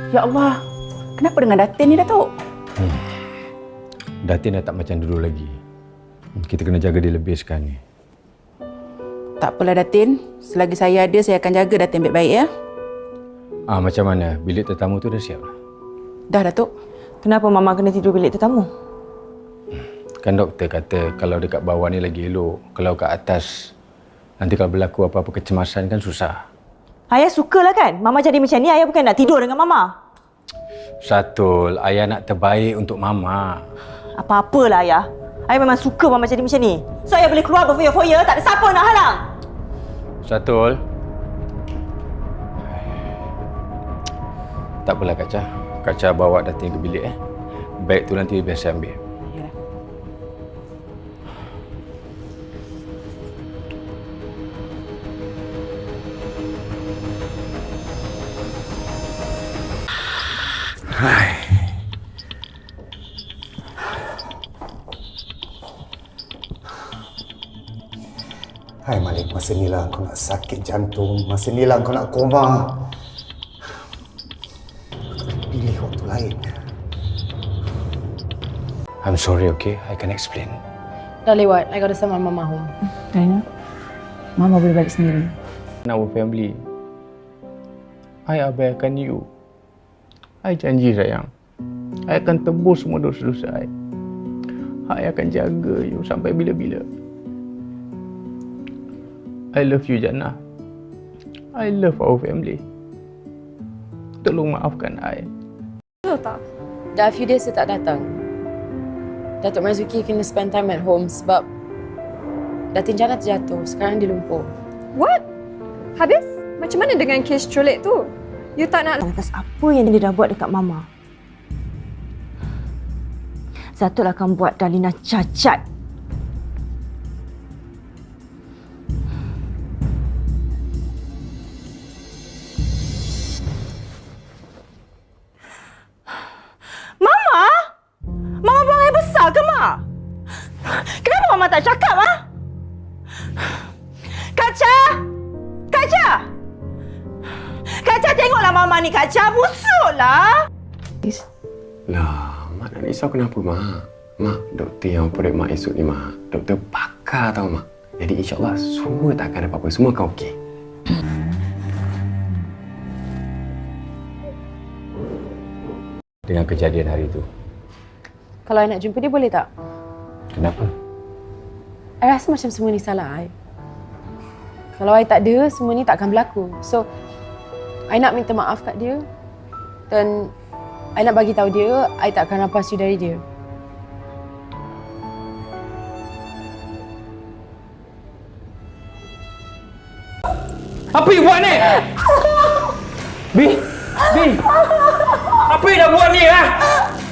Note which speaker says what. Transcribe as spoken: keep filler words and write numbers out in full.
Speaker 1: Ya Allah, kenapa dengan Datin ni, Datuk?
Speaker 2: Hmm. Datin dah tak macam dulu lagi. Kita kena jaga dia lebih sekarang ni.
Speaker 1: Tak apalah, Datin. Selagi saya ada, saya akan jaga Datin baik-baik, ya?
Speaker 2: Ah, macam mana? Bilik tetamu tu dah siap dah?
Speaker 1: Dah, Datuk.
Speaker 3: Kenapa Mama kena tidur bilik tetamu?
Speaker 2: Kan doktor kata kalau dekat bawah ni lagi elok. Kalau kat atas, nanti kalau berlaku apa-apa kecemasan kan susah.
Speaker 3: Ayah sukalah kan? Mama jadi macam ni, Ayah bukan nak tidur dengan Mama.
Speaker 2: Syatul, ayah nak terbaik untuk Mama.
Speaker 3: Apa-apalah Ayah. Ayah memang suka Mama jadi macam ni. So Ayah boleh keluar berfoya-foya, tak ada siapa nak halang.
Speaker 2: Syatul. Tak apalah Kak Cha. Kak Cha bawa Datin ke bilik eh. Beg tu nanti biar saya ambil.
Speaker 1: Ya.
Speaker 2: Hai.
Speaker 4: Hai Malik, masa ni lah kau nak sakit jantung, masa ni lah kau nak koma. Pilih waktu lain.
Speaker 2: I'm sorry, okay? I can explain.
Speaker 5: Dah lewat. I gotta send my mama home.
Speaker 1: Dina, Mama boleh balik sendiri.
Speaker 2: Our family. I abaikan you. I janji sayang. I akan tebus semua dosa-dosa I. I akan jaga you sampai bila-bila. I love you, Jannah. I love our family. Tolong maafkan I.
Speaker 5: Betul tak? Dah few days saya tak datang. Datuk Marzuki kena spend time at home sebab Datin Jannah terjatuh. Sekarang dia lumpuh.
Speaker 6: What? Habis? Macam mana dengan kes culik tu? You tak nak...
Speaker 3: Atas apa yang dia dah buat dekat Mama. Zatul akan buat Dalina cacat. Mama? Mama buang air besar ke, Mak? Kenapa Mama tak cakap, ha? Kak Cha! Kak Cha! Kak Cha, tengoklah Mama ni, Kak Cha. Busuklah.
Speaker 2: Lah, Mak nak risau kenapa, Mak? Mak, doktor yang operate Mak esok ni, Mak. Doktor pakar tau, Mak. Jadi insyaAllah semua tak akan ada apa-apa. Semua akan okey. Dengan kejadian hari itu.
Speaker 5: Kalau I nak jumpa dia, boleh tak?
Speaker 2: Kenapa?
Speaker 5: I rasa macam semua ni salah I. Kalau I tak ada, semua ni tak akan berlaku. So, I nak minta maaf kat dia. Dan I nak bagi tahu dia, I tak akan rampas you dari dia.
Speaker 7: Apa you buat ni? Bi! Bi! Apa you dah buat ni, ha?